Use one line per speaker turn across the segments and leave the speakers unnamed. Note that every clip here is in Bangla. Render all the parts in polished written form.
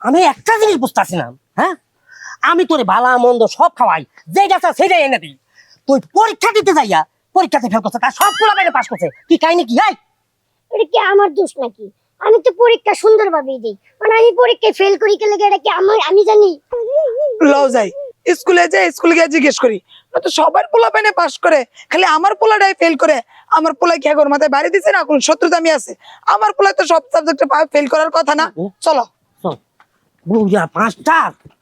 আমি একটা জিনিস বুঝতেছি না, হ্যাঁ? আমি তোরে ভালা মন্দ সব খাওয়াই, যেটা চাস সেটাই এনে দিই। তুই পরীক্ষা দিতে যাইয়া পরীক্ষাতে ফেল করছে, তার সব পোলা বাইরে পাস করছে। কি কাহিনী কি?
এটা কি আমার দোষ নাকি? আমি তো পরীক্ষা সুন্দরভাবেই দিই, মানে আমি পরীক্ষায় ফেল করি কে লাগে এটা কি আমি জানি?
লও যাই স্কুলে গিয়ে জিজ্ঞেস করি। না তো সবার পোলা পাইনে পাস করে, খালি আমার পোলাটাই ফেল করে। আমার পোলা কি আগর মাথায় বাড়ি দিছে না কোন শত্রুতা আমি আছে? আমার পোলা তো সব সাবজেক্টে ফেল করার কথা না। চলো
বুঝা পাঁচটা।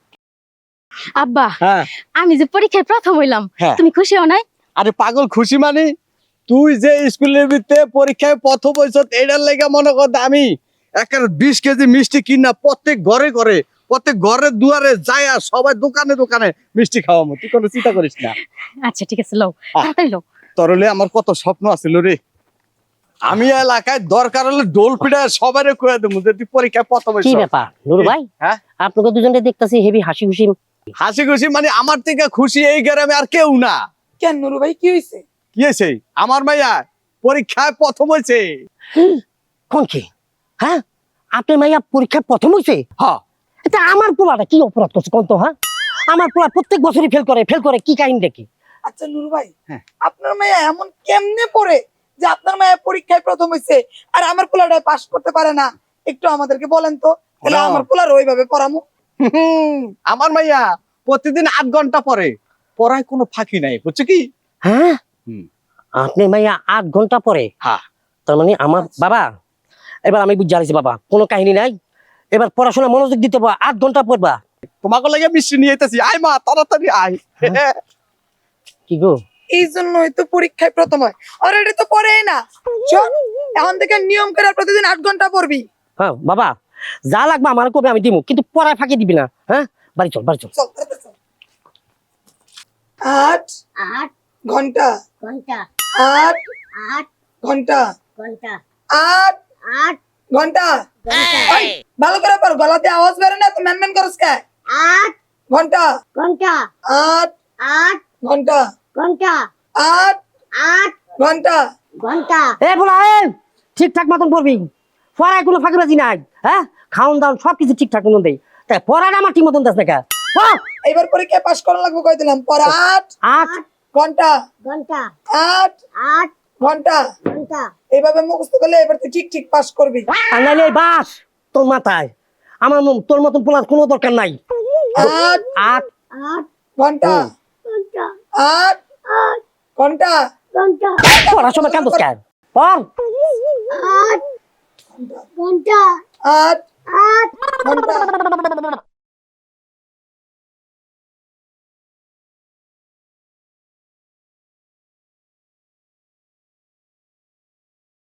আব্বা,
হ্যাঁ
আমি যে পরীক্ষায় প্রথম হইলাম,
হ্যাঁ।
তুমি খুশি হও নাই?
আরে পাগল, খুশি মানে তুই যে স্কুলের ভিতরে পরীক্ষায় প্রথম হইছ, এটার লেগে মনে কর আমি একটা 20 কেজি মিষ্টি কিনা প্রত্যেক ঘরে ঘরে, প্রত্যেক ঘরের দুয়ারে যায়, আর সবাই দোকানে দোকানে মিষ্টি খাওয়াবো। তুই কোনো চিন্তা করিস না।
আচ্ছা ঠিক আছে, লও তাড়াতাড়ি লও।
তোর হলে আমার কত স্বপ্ন আছিল রে। আমি এলাকায় দরকার হলে ডোল পিটায় সবাই কয়ে দেবো যে তুই পরীক্ষায় প্রথম হইছ।
কি ব্যাপার নুরু ভাই?
হ্যাঁ,
আপনাকে দুজনকে দেখতেছি হেভি হাসি খুশি।
হাসি খুশি মানে আমার থেকে খুশি এই গ্রামে আর কেউ না।
কেন নুরু ভাই কি হয়েছে?
কি হয়েছে? আমার মাইয়া পরীক্ষায় প্রথম হয়েছে।
কোন কি? হ্যাঁ, আপনার মাইয়া পরীক্ষায় প্রথম হয়েছে?
হ্যাঁ,
এটা আমার পোলাটা কি অপরাধ করছে কোন তো? হ্যাঁ, আমার পোলা প্রত্যেক বছরই ফেল করে কি কাহিনী দেখি?
আচ্ছা নুরু ভাই,
হ্যাঁ।
আপনার মেয়ে এমন কেমনে পড়ে যে আপনার মেয়ে পরীক্ষায় প্রথম হয়েছে আর আমার পোলাটা পাস করতে পারে না? একটু আমাদেরকে বলেন তো, তাহলে
না।
আমার পোলার ওইভাবে পড়ামু।
আমার মাইয়া প্রতিদিন 8 ঘন্টা পড়ে, পড়ায় কোনো ফাঁকি নাই, বুঝছো কি?
হ্যাঁ,
হুম।
আপনার মাইয়া 8 ঘন্টা পরে?
হ্যাঁ।
তার মানে আমার বাবা, এবার আমি বুঝে আছি বাবা, কোনো কাহিনী নাই। এবার পড়াশোনা মনোযোগ দিতে পারবা, 8 ঘন্টা পড়বা।
তোমাকে লাগে মিষ্টি নিয়ে যেতেছি, আয় মা তাড়াতাড়ি আয়।
কি গো?
এই জন্যই তো পরীক্ষায় প্রথম হয়। অলরেডি তো পড়েই না। চল এখন থেকে নিয়ম করে প্রতিদিন 8 ঘন্টা পড়বি।
হ্যাঁ বাবা, যা লাগবে আমার কবে আমি দিব, কিন্তু পড়ায় ফাঁকি দিবি না। হ্যাঁ, বাড়ি চল বাড়ি চল।
চল তাড়াতাড়ি চল। 8
8
ঘন্টা,
ঘন্টা
8
8
ঘন্টা,
ঘন্টা
8
8
ঘন্টা।
ঘন্টা
ওই, ভালো করে পড়, গলাতে আওয়াজ বের না তো ম্যানম্যান করস কে?
8
ঘন্টা,
ঘন্টা
8
8
ঘন্টা,
ঘন্টা
8
8
ঘন্টা।
ঘন্টা।
এ বলা ঠিকঠাক মতন পড়বি, পড়ায় কোনো ফাঁকিবাজি নাই। হ্যাঁ, খাওন দাওন সবকিছু ঠিকঠাক মতন দেই, তাই পড়াটা আমার ঠিক মতন দেস না কে?
এবার পরীক্ষায় পাস করা লাগবে কই দিলাম। পর 8
8
ঘন্টা,
ঘন্টা
8
8
ঘন্টা।
ঘন্টা।
এইভাবে মুখস্থ করলে এবার তুই ঠিক ঠিক পাস করবি।
আর নাইলে এই বাস তোর মাথায়। আমার তোর মতন পোলার কোনো দরকার নাই।
8
8
8
ঘন্টা,
ঘন্টা
8
8
ঘন্টা।
ঘন্টা
পড়ার সময় কান্দস কেন? পড়।
8 ঘন্টা
8
8
ঘন্টা।